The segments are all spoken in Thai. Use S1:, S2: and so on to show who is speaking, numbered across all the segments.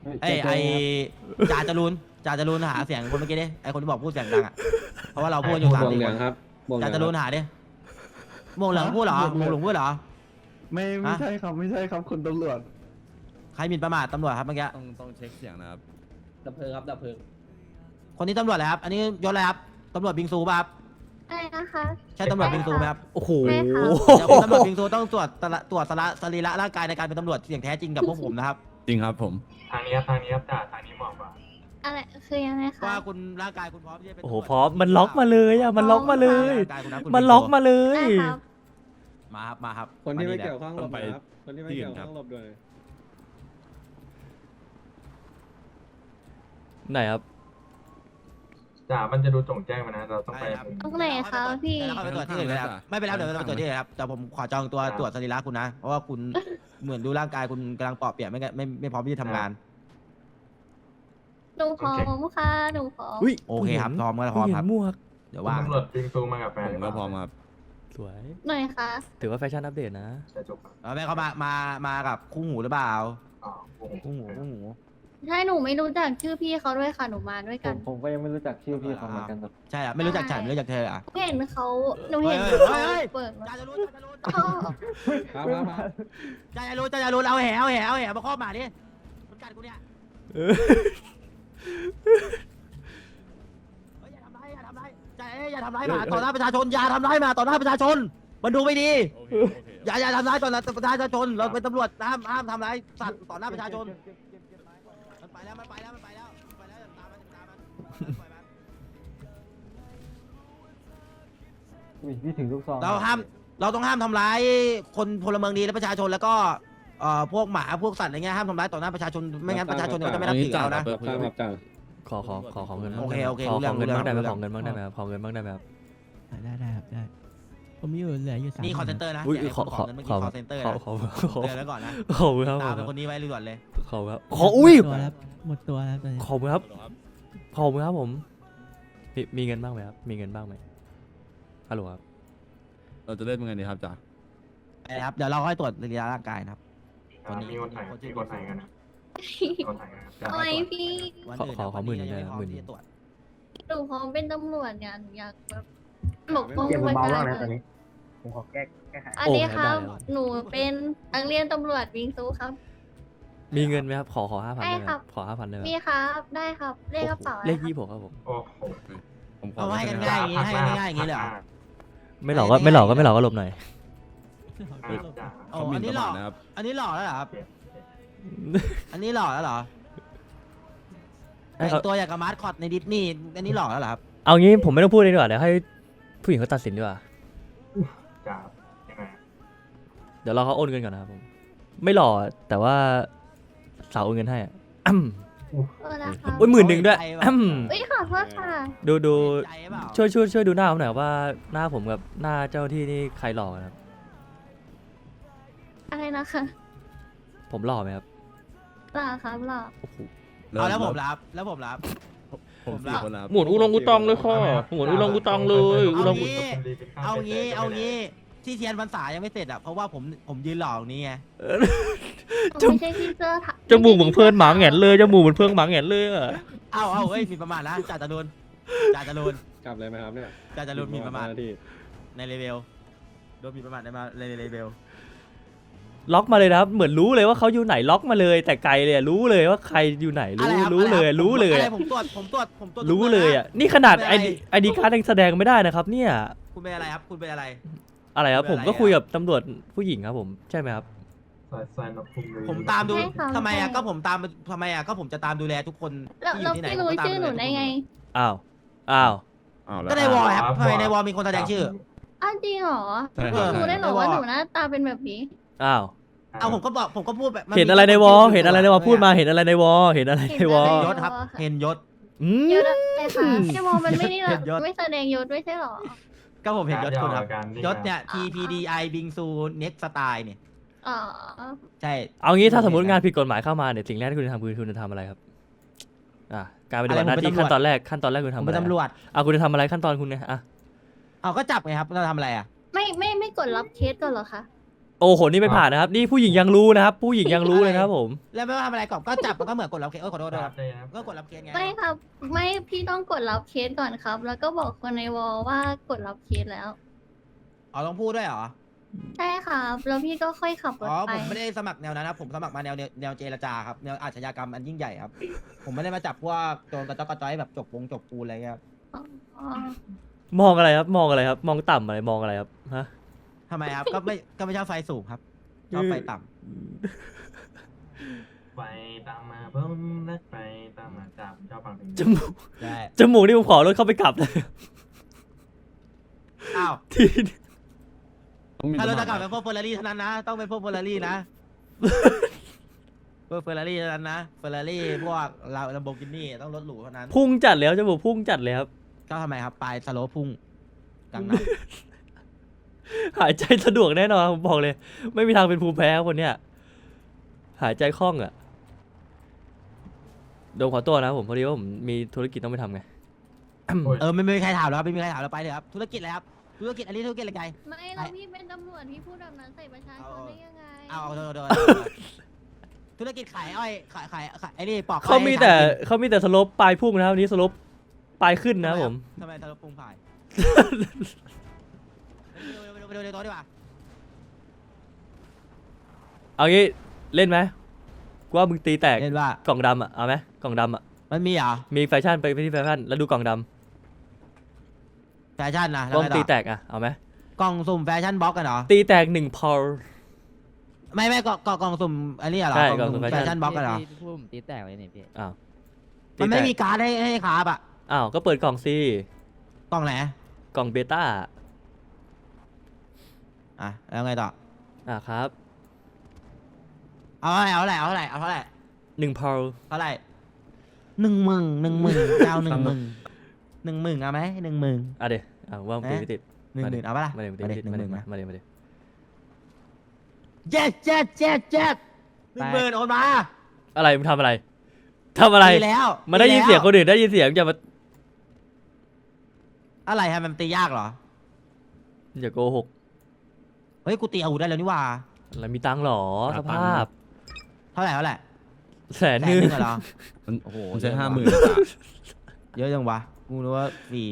S1: ไอ้จ่าจรูนหาเสียงคนเมื่อกี้ดิไอ้คนที่บอกพูดเสียงดังอ่ะเพราะว่าเราพูดอยู่3 4 คน
S2: ครับ
S1: จ่าจรูนหาดิโมงเหลืองพูดเหรอโมงหลงพูดเหรอ
S2: ไม่ใช่ครับไม่ใช่ครับคุณตำรวจ
S1: ใครหมิ่นประมาทตำรวจครับเมื่อกี้
S3: ต้องเช็คเสียงนะครับ
S4: ดับเพลิงครับดับเพลิง
S1: คนนี้ตำรวจอะไรครับอันนี้ยศอะไรครับตำรวจบิงซูป่ะครับ
S5: อะไรนะคะ
S1: ใช่ตำรวจบิงซูไหมครับ
S3: โอ้โห
S5: ไม่ค่ะ
S1: เดี๋ยวคุณตำรวจบิงซูต้องตรวจสรีระร่างกายในการเป็นตำรวจอย่างแท้จริงกับพวกผมนะครับ
S3: จริงครับผม
S6: ทางนี้ครับจ่าทางนี้เหมาะกว่า
S5: อะไรคือยังไงคะ
S1: ว่าคุณร่างกายคุณพร้อมที่จะเป็น
S7: โอ้โหพร้อมมันล็อกมาเลยอ่ะมันล็อกมาเลย
S1: ร่างกายคุณนะคุณ
S7: มันล็อกมาเลย
S5: ได้ครับ
S1: มาครับ
S2: คนที่ไม่
S1: า
S2: เกี่ยวข้องหลบหน่อยครับคนที่ไม่เกี่ยวข้องหลบด้วย
S7: ไหนครับ
S6: จ่ามันจะดูจงแจ้งมานะเราต้องไป
S1: ได้ครับ
S5: ตรงไหนคะพี่
S1: เดี๋ยวเราไปตรวจที่อื่นเลยครับไม่เป็นไรเดี๋ยวเราไปตรวจที่อื่นครับแต่ผมขอจองตัวตรวจสรีระคุณนะเพราะว่าคุณเหมือนดูร่างกายคุณกำลังเปราะเปียกไม่พร้อมที่จะทำงาน
S5: หนูพร้อมค่ะหนูพร้อม
S7: อุ้ย
S1: โอเคครับพร้อมก็พร้อมครับ
S7: หมวก
S1: เดี๋ยว
S6: ว่า
S1: ว่าง
S6: ตำรวจบิงซูมากับแฟน
S3: ผมก็พร้อมครับ
S7: สวย
S5: หน่อยค่ะ
S7: ถือว่าแฟชั่นอัปเดตนะ
S6: จะจบครับ
S1: แม่เขามากับคู่หูหรือเปล่า
S6: อ๋อโอ้โห
S1: คู่หู
S5: ใช่หนูไม่รู้จักชื่อพี่เขาด้วยค่ะหนูมาด้วยกัน
S2: ผมก็ยังไม่รู้จักชื่อพี่เขาเหมือนกันครับ
S1: ใช่อ่ะไม่รู้จักฉันไม่รู้จักเธออ่ะ
S5: เห็นเขาหนูเห็น
S1: เฮ้ย
S5: เขา
S1: เฮ้ย
S5: เปิดมา
S1: จ่าจะรู้
S5: อ๋อ
S2: ครับ
S1: จ่าจะรู้เอาแหมาครอบหมาดิมันกัดกูเนี่ยอย่าทำร้ายอย่าทำร้ายหมาต่อหน้าประชาชนอย่าทำร้ายหมาต่อหน้าประชาชนมันดูไม่ดี
S3: โอเค
S1: อย่าทำร้ายต่อหน้าประชาชนเราเป็นตำรวจห้ามทำร้ายสัตว์ต่อหน้าประชาชนมันไปแล้วตามมันปล่อยมัน
S2: พี่ถึงลูกซอง
S1: เราต้องห้ามทำร้ายคนพลเมืองดีและประชาชนแล้วก็พวกหมาพวกสัตว์อะไรเงี้ยห้ามทำร้ายต่อหน้าประชาชนไม่งั้นประชาชนจะไม่รับถือเรานะ
S2: ครับจ่า
S7: ขอเงิน
S1: โอเค
S7: ขอ
S1: รู้เรื่อง
S7: เงิน
S1: รู้
S7: บ้างได้ไหม
S1: เรื่
S7: ข
S1: อ
S7: อง เงินบ้างได้ไหมครับขอเงินบ้างได้ไหมครับ
S4: ได้ครับได้ผมมีอยู่เหลืออยู่3
S1: นี่คอนเซนเตอร์นะ
S7: อุ้ย
S1: เดี๋ยว
S7: ขอ
S1: ขอเงินเมื่อกี้คอนเซนเตอร์นะ
S7: ขอ
S1: เตือนไว้ก่อนนะ
S7: ขอบคุณครับ
S1: ตามเป็นคนนี้ไว้ด่วนเลย
S7: ขอบคุณครับขออุ้ย
S4: หมดตัวแล้วตอนนี้
S7: ขอบคุณครับขอบคุณครับผมมีเงินบ้างไหมครับมีเงินบ้างไหมฮัลโหลครับ
S3: เราจะเล่นยังไงดีครับจ่า
S1: ครับเดี๋ยวเราค่อยตรวจสรีระร่างกายนะครับ
S6: มีคนถ่ายมีคนถ่ายกันนะคนถ่ายกันนะ
S5: ทำไมพี่
S1: วันอื่น
S7: ขอหมื่นหนึ่ง
S1: วั
S7: เลย
S1: ไม่พร้อ
S7: หมื่น
S1: ที่จะตรวจ
S5: หนูพร้อมเป็นตำรวจเนี่ยหนูอยากแบบปกป้อง
S2: เก็บ
S5: ประ
S2: เบา
S5: ชา
S2: บ้าง
S5: ช
S2: นะตอน
S5: น
S2: นี้ผมขอแก้ไข
S5: อันนี้ครับหนูเป็นนักเรียนตำรวจวิงซูครับ
S7: มีเงินไหมครับขอ5,000
S5: ได้
S7: ได้ไหม
S5: ครับ
S7: ขอ5,000ได้ไหม
S5: มีครับได้ครับเลขกระเป๋า
S7: เลข
S5: อะไรครับ
S7: 26ครับผม
S6: โอ้โห
S3: ผมขอ
S1: เอาให้กันง่ายอย่างงี้ให้กันง่ายอย่างงี้เลยเหรอ
S7: ไม่หลอกก็ไม่หลอกก็หลบหน่อย
S6: จ่า
S1: โอ้
S3: เขาหมิ่
S1: อั
S3: น
S1: น
S3: ป
S1: นี้
S3: ระ
S1: หล่
S3: มา
S1: อ
S3: ทนะครับ
S1: อันนี้หล่อแล้วเหรอครับอันนี้หล่อแล้วเหรอ
S7: ให้
S1: แต่
S7: เขา
S1: งตัวอย่างกับมาร์คอตในดิสนีย์อันนี้หล่อแล้วเหรอครับ
S7: เอางี้ผมไม่ต้องพูดเลยดีกว่าเดี๋ยวให้ผู้หญิงเขาตัดสินดีกว่า
S6: จ่ายังไง
S7: เดี๋ยวรอเขาโอนเงินก่อนนะครับผมไม่หล่อแต่ว่าสาวโอนเงินให้อะอ้ำ
S5: นะคะ
S7: โอ้ย10,000ด้วยอ้ำ
S5: เอ้ยขอโทษค่ะ
S7: ดู
S1: ใจเปล่า
S7: ช่วยดูหน้าผมหน่อยว่าหน้าผมกับหน้าเจ้าที่นี่ใครหล่อกันครับ
S5: อะไรนะคะ
S7: ผมหล่อไหมครับ
S5: หล่อครับหล่อ
S7: โอ้โห
S1: เอาแล้วผมรับ
S3: ผมสี่คนนะครับ
S7: หมุนอุลงกุตองเลยค่ะหมุนอุลงกุตองเลยอุลงกุ
S1: เอางี้ที่เทียนพรรษายังไม่เสร็จอ่ะเพราะว่าผมยืนหล่อตรงนี้ไง
S5: ไม่ใช่ที่เสื้อถัก
S7: จมูกเหมือนเพื่อนหมาแหงนเลยจมูกเหมือนเพื่อนหมาแหงนเลยอะ
S1: เอาเฮ้ยมีประมาทนะจ่าจรูน
S2: กลับเลยไหมครับเนี่ย
S1: จ่าจรูนมีประมาท
S2: ที่
S1: ในเลเวลโดนมีประมาทในเลเวล
S7: ล็อกมาเลยนะครับเหมือนรู้เลยว่าเขาอยู่ไหนล็อกมาเลย แต่ไกลเลยอะรู้เลยว่าใครอยู่ไหนรู้เลยรู้เลย
S1: อะไร
S7: อะ
S1: ผมตรวจ
S7: รู้เลยอ่ะนี่ขนาดไอดีการ์ดยังแสดงไม่ได้นะครับเนี่ย
S1: คุณเป็นอะไรครับคุณเป็นอะไร
S7: อะไรครับ
S1: เป็น
S7: ผ
S1: อะไร
S7: มก็คุย
S1: อะ
S7: กับตำรวจผู้หญิงครับผมใช่ไหมครับ
S6: ใส่นกคุมเลย
S1: ผมตามดูทำไมอ่ะก็ผมตามทำไมอ่ะก็ผมจะตามดูแลทุกคน
S5: แล้ว
S1: ที่อยู่ที่ไหน
S5: พี่รู้
S1: ผมก็ตาม
S5: ชื่อหนูได้ไง
S7: อ้าว
S3: อ้าวแล้ว
S1: ก็ในวอลครับทำไมในวอลมีคนแสดงชื่อ
S5: อ้าวจริงเหรอ
S3: ใช่ค
S5: พี่
S3: รับ
S5: รู้ได้เหรอ
S1: ไม่
S5: ว่า
S1: บอก
S5: หนูหน้าตาเป็นแบบนี้
S7: อ้าว
S1: เอาผมก็พูดแบบ
S7: เห็นอะไรในวอเห็นอะไรในวอพูดมาเห็นอะไรในวอเห็นอะไรในวอ
S5: เห็น
S1: ย
S5: อะไร
S1: ศครับเห็นยศ
S7: อืม
S5: ยศอะไรคะพี่โมมันไม่นี่หรอ
S1: เห็นยศ
S5: ไม่แสดงยศไม่ใช่เหรอ
S1: ก็ผมเห็นยศคุณครับยศเนี่ย TPDI บิงซู Next Style เนี่ย
S5: อ๋อ
S1: ใช่
S7: เอางี้ถ้าสมมติงานผิดกฎหมายเข้ามาเนี่ยสิ่งแรกที่คุณจะทำคือคุณจะทำอะไรครับการปฏิบัติหน้าที่ขั้นตอนแรกคุณ
S1: ผม
S7: ทำอะไร
S1: เป็นตำรวจ
S7: คุณจะทำอะไรขั้นตอนคุณเนี่ย
S1: เอาก็จับไงครับเราทำอะไรอ่ะ
S5: ไม่กดรับเคสก่อนเหรอคะ
S7: โอ้โหนี่ไม่ผ่านนะครับ นี่ผู้หญิงยังรู้นะครับ ผู้หญิงยังรู้เลยนะครับผม
S1: แล้วไม่ว่าทำอะไรก่อนก็จับมันก็เหมือนกดรับเคสขอโทษด้วยครับ
S6: เลยครับ
S1: ก็กดรับเคสไง
S5: ไม่ครับ ไม่พี่ต้องกดรับเคสก่อนครับ แล้วก็บอกคนในวอลว่ากดรับเคสแล้ว
S1: อ๋อต้องพูดด้วยเหรอ
S5: ใช่ครับแล้วพี่ก็ค่อยขับร
S1: อ๋
S5: ถ
S1: อ
S5: ไป
S1: ผมไม่ได้สมัครแนวนั้นครับผมสมัครมาแนวเจรจาครับแนวอาชญากรรมอันยิ่งใหญ่ครับ ผมไม่ได้มาจับพวกโจรกระจอกกระจ้อยแบบจกปูนอะไรเงี้ยครับ
S5: อ๋อ
S7: มองอะไรครับ มองอะไรครับ มองต่ำอะไร มองอะไรครับ ฮะ
S1: ทำไมครับ ก็ไม่ชอบไฟสูงครับชอบไฟต่ำ
S6: ไปตามมาเพิ่มนักไปตามมาจับชอบฟังเพลง
S7: จมูก
S1: ใช่
S7: จมูกนี่ผมขอรถเข้าไปกลับเลย
S1: อ้าว
S7: ที่
S3: ต้องมี
S1: ถ้าเรา
S3: ส
S1: จะ
S3: ค
S1: กลับ
S3: ร
S1: เป็นพวกเฟอร์รารี่เท่านั้นนะ ต้องเป็นพวกเฟอร์รารี่นะ พวกเฟอร์รารี่เท่านั้นนะ เฟอร์รารี่พวกเราลัมโบกินี่ต้องรถหรูเท่านั้น
S7: พุ่งจัดแล้วจมูกพุ่งจัดเลยครับ
S1: ก็ทำไมครับ ปลายสโลปพุ่งกลางน้
S7: หายใจสะดวกแน่นอนผมบอกเลย ไม่มีทางเป็นภูมิแพ้คนเนี้ยหายใจคล่องอ่ะโดมขอตัวนะผมพอดีว่าผมมีธุรกิจต้องไปทำไง
S1: ำไม่มีใครถามแล้วไม่มีใครถามแล้วไปเลยครับ ธุรกิจอะไรครับ ธุรกิจอันนี้ธุรกิจอะไรไง
S5: ไม่แล้วพี่เป็นตำรวจพี่พูดแบบนั้นใส่ประชาชนได้ยังไง
S1: เอาโดนธุรกิจขายอ้อยขายไอ้นี่ปอกอ้อย
S7: เขามีแต่
S1: ให้ช้างกิน
S7: เขามีแต่สโลปปลายพุ่งนะครับวันนี้สโลปปลายขึ้นนะครับผม
S1: ทำไมสโลปพุ่งผ่ายไปดูในโต๊ะดีกว่า
S7: เอางี้เล่นไหมกูว่ามึงตีแตก
S1: เห็นว่าก
S7: ล่องดำอ่ะเอาไหมกล่องดำอ่ะ
S1: มันมีเหรอ
S7: มีแฟชั่นไปที่แฟชั่นแล้วดูกล่องด
S1: แฟชั่นนะ
S7: ำ
S1: แล้ว
S7: ว่า
S1: ไง
S7: มึง
S1: ต่
S7: ตี
S1: อ
S7: แตกอ่ะเอาไหม
S1: กล่องสุ่มแฟชั่นบล็อกกันเหรอ
S7: ตีแตก1 พอล
S1: ไม่กล่องสุ่มอันนี้เหรอ
S7: ใช่
S1: กล่องสุ่ม
S7: กล่องสุ่ม
S1: แฟชั่นบล็อกกันเหรอ
S4: พูดผมตีแตกเลยเนี่ยพี่
S7: อ้าว
S1: มันไม่
S7: ตีแตก
S1: มีการ์ดให้คาบอ่ะ
S7: อ้าวก็เปิดกล่องสิ
S1: กล่องไหน
S7: กล่องเบต้า
S1: อ่ะแล้วไงต่อ
S7: ครับ
S1: เอาเท่าไหร่เอาเท่าไหร่เอาเท่าไหร่
S7: 1 พอล
S1: เท่าไหร่10,000เจ้า10,000เอาไหม10,000
S7: อ่ะเดี๋ยวว่ามึงตีไม่ติด
S1: 10,000เอาปะล่ะ
S7: มาเดี๋ยวมึงตีไม่ติดมาเดี๋ยว
S1: 10,000
S7: มาเดี๋ยวมาเดี๋ยว
S1: เจ็ด10,000โอนมา
S7: อะไรมึงทำอะไรทำอะไร
S1: ดีแล้ว
S7: มันได้ยินเสียงคนอื่นได้ยินเสียงอย่ามา
S1: อะไรฮะมันตียากเหรอ
S7: อย่าโกหก
S1: เฮ้ยกูตีอาวุธได้แล้วนี่หว่า
S7: อะไรมีตังค์หรอสภาพ
S1: เท่าไหร่
S7: 100,000
S1: แสนหนึ่งเหรอ
S3: มัน
S1: โอ้โห
S3: มันใช้
S1: เยอะว่ะ
S3: 50,000จ้ะ
S1: เยอะจังวะกูรู้ว่าฟรี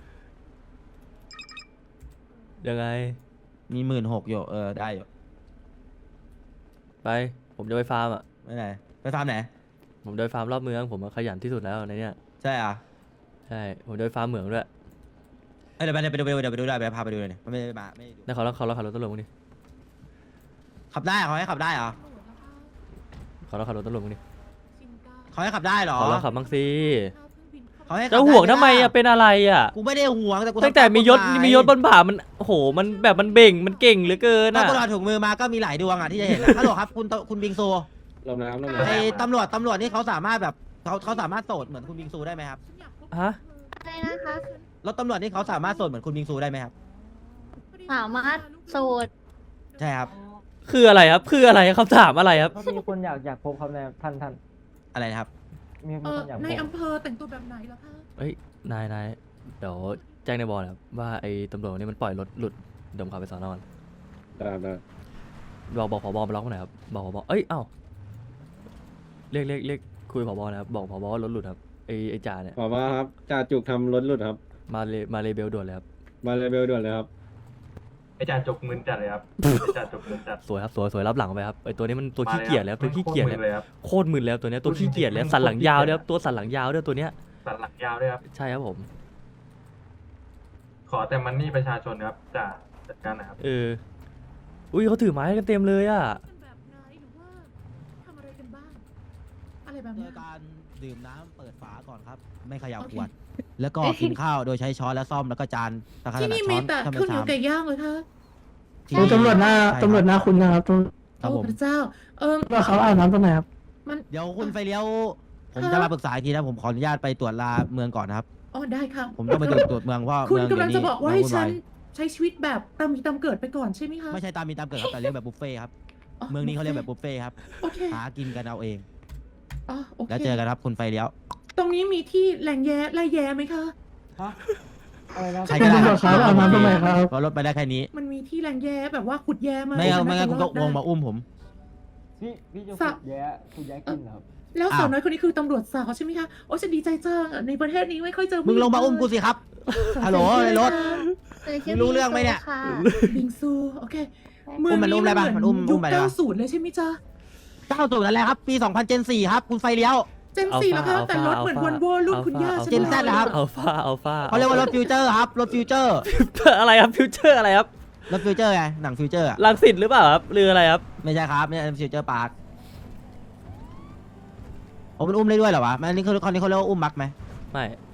S7: ยังไง
S1: มี16,000อยู่ได้อยู่
S7: ไปผมจะไปฟาร์มอ่ะ
S1: ไม่ไหนไปฟาร์มไหน
S7: ผมจะไปฟาร์มรอบเมืองผมขยันที่สุดแล้วในเนี้ย
S1: ใช่อ่ะ
S7: ใช่ผมจะไปฟาร์มเหมืองด้วย
S1: เดี๋ยวไปดูได้ไปพาไปดูเลยเนี่ยมันไม่ได้มาไม่ได้ดู
S7: แล้วเขาขับรถตำรวจมึงดิ
S1: ขับได้เขาให้ขับได้เหรอ
S7: เขาขับรถตำรวจมึงดิ
S1: เขาให้ขับได้เหรอ
S7: เขาลองขับบ้างสิ
S1: เขาให้ขับ
S7: จะ
S1: ด้
S7: ห่วงทำไม
S1: ด้
S7: อ่ะเป็นอะไรอ่ะ
S1: กูไม่ได้ห่วงแต่กู
S7: ตั้งแต่มียศบนบ่ามันโอ้โหมันแบบมันเบ่งมันเก่งเหลือเกิน
S1: ถ้า
S7: อ่ะ
S1: กูถอดถุงมือมาก็มีหลายดวงอ่ะที่จะเห็นนะฮัลโหลครับคุณบิงซู
S2: ลมนะครับลม
S1: ไอ้
S2: นะครับ
S1: ตำรวจนี่เขาสามารถแบบเขาสามารถโสดเหมือนคุณบิงซูได้ไหมครับ
S7: ฮะ
S5: อะไรนะคะ
S1: รถตำรวจนี่เขาสามารถโสดเหมือนคุณบิงซูได้ไหมครับ
S5: สามารถโสด
S1: ใช่ครับ
S7: คืออะไรครับคืออะไรคำถามอะไรครับ
S2: มีคนอยากพบครับนายท่าน
S1: อะไรนะครับ
S2: มีคนอยากพ
S8: ใน
S2: บ
S8: อำเภอแต่งตัวแบบไหนล่ะคะ
S7: เฮ้ยนายเดี๋ยวแจ้งในบอลครับว่าไอ้ตำรวจนี่มันปล่อยรถหลุดเดี๋ยวผมขับไปสอนอน
S2: ได้
S7: บอกผบมาล็อกมาหน่อยครับบอกผบเอ้ยเอ้าเรียกคุยผบนะครับบอกผบว่ารถหลุดครับไอ้จ่าเนี่ย
S2: ขอว่าครับจ่าจุกทำรถหลุดครับ
S7: มาเลเบลด่วนเลยครับ
S2: มาเลยเบลด่วนเลยครับ
S6: ไอ้จ่าจกมึนจัดเลยครับไอ้จ่าจกมึนจัด
S7: สวยครับสวยรับหลังไปครับไอ้ตัวนี้มันตัวขี้เกียจแล้วตัวขี้เกียจแล้ว
S6: เลยครับ
S7: โคตรมึนแล้วตัวเนี้ยตัวขี้เกียจแล้วสันหลังยาวด้วยครับตัวสันหลังยาวด้วยตัวเนี้ย
S6: สันหลังยาวด้วยครับ
S7: ใช่ครับผม
S6: ขอแต่มันนี่ประชาชนครับจ่าจัดการนะครับ
S7: อุ้ยเขาถือไม้กันเต็มเลยอ่ะ
S8: เป็นแบบไหนหรือว่าทำอะไรกันบ้าง อะไรแบบ
S1: โด
S8: นี้
S1: ยการดื่มน้ำเปิดฝาก่อนครับ ไม่เขย่าขวด แล้วก็กินข้าวโดยใช้ช้อนและซ่อมแล้วก็จานตะข
S8: ที่
S1: นาด
S8: นี่
S1: ช้
S8: มี
S1: อน
S8: แต่
S1: ถ้าไม่
S8: ข้าวเหนียว
S1: ซ้ำ
S8: ไก่ย่างเลยค่ะ
S1: ที่
S9: ตำรวจหน้า
S1: ใช่
S9: ตำรวจหน้าคุณนะครับตำรวจ
S1: ครับผม
S8: โอ้พระเจ้า
S9: ว่าเขาอาบน้ำตรงไหนครับ
S1: เดี๋ยวคุณไฟเลี้ยวผมจะมาปรึกษาอีกทีนะผมขออนุญาตไปตรวจลาเมืองก่อนนะครับ
S8: อ๋อได้ค่ะ
S1: ผมต้องไปตรวจเมืองเพราะ
S8: คุณ
S1: เมือง
S8: กำลัง
S1: เดี๋
S8: จะ
S1: ยวนี้
S8: บอกว่าให้
S1: วุ่น
S8: ฉั
S1: วาน ย
S8: ใช้ชีวิตแบบตามมีตามเกิดไปก่อนใช่ไหมคะ
S1: ไม่ใช่ตามมีตามเกิดครับแต่เลี้ยงแบบบุฟเฟ่ต์ครับ เมืองนี้เขาเรียกแบบบุฟเฟ่ต์ครับ
S8: โอเค
S1: หากินกันเอาเอง
S8: อ๋อโอเค
S1: แล้วเจอกันครับคุณไฟเลี้ยว
S8: ตรงนี้มีที่แหล่งแย่ไหมคะ
S1: ใครก็ได้
S9: คุณตำรวจครับอาบน้ำตรงไหนครับ
S1: เพราะรถไปได้แค่นี้
S8: มันมีที่แรงแย่แบบว่าขุดแย่มา
S1: ไม่งั้นไม่งั้น
S8: จะ
S1: คุณก็
S8: รอด
S1: วงมา
S8: ได้
S1: อุ้มผม
S3: พี่จะ
S8: สะ
S3: คุณแย่กินเหรอครับ
S8: แล้ว
S1: อ้าว
S8: สาวน้อยคนนี้คือตำรวจสาวใช่ไหมคะโอ้ฉันดีใจจังในประเทศนี้ไม่ค่อยเจอ
S1: มึงลงมาอุ้มกูสิครับ ฮัลโหลในรถ มึงรู้เรื่องไหมเนี่ย
S5: ค่ะ
S8: บิงซูโอเค
S1: อุ้มมันอุ้มได้ปะมันอุ้ม
S8: ยุ
S1: อุ้
S8: ค
S1: มไปได้ปะ
S8: 90เลยใช่ไหมจ๊ะ
S1: 90นั่นแหละครับ ปี 2000 Gen 4 ครับ คุณไฟเลี้ยว
S8: เจนสี่แล้วคะแต่รถเหมือนวอลโว่รุ่นคุณย่าใช่ไหม
S1: เจน Z เหรอครับ
S7: อัลฟาอัลฟา
S1: เขาเรียกว่ารถฟิวเจอร์ครับ รถฟิวเจอร์
S7: อะไรครับฟิวเจอร์อะไรครับ
S1: รถฟิวเจอร์ไง หนังฟิวเจอร์อะ
S7: ลังสิตหรือเปล่าครับหรืออะไรครับ
S1: ไม่ใช่ครับไม่ใช่ฟิวเจอร์พาร์คมันอุ้มได้ด้วยเหรอวะมันนี่เขาเรียกว่าอุ้มมักไหม
S7: ไม่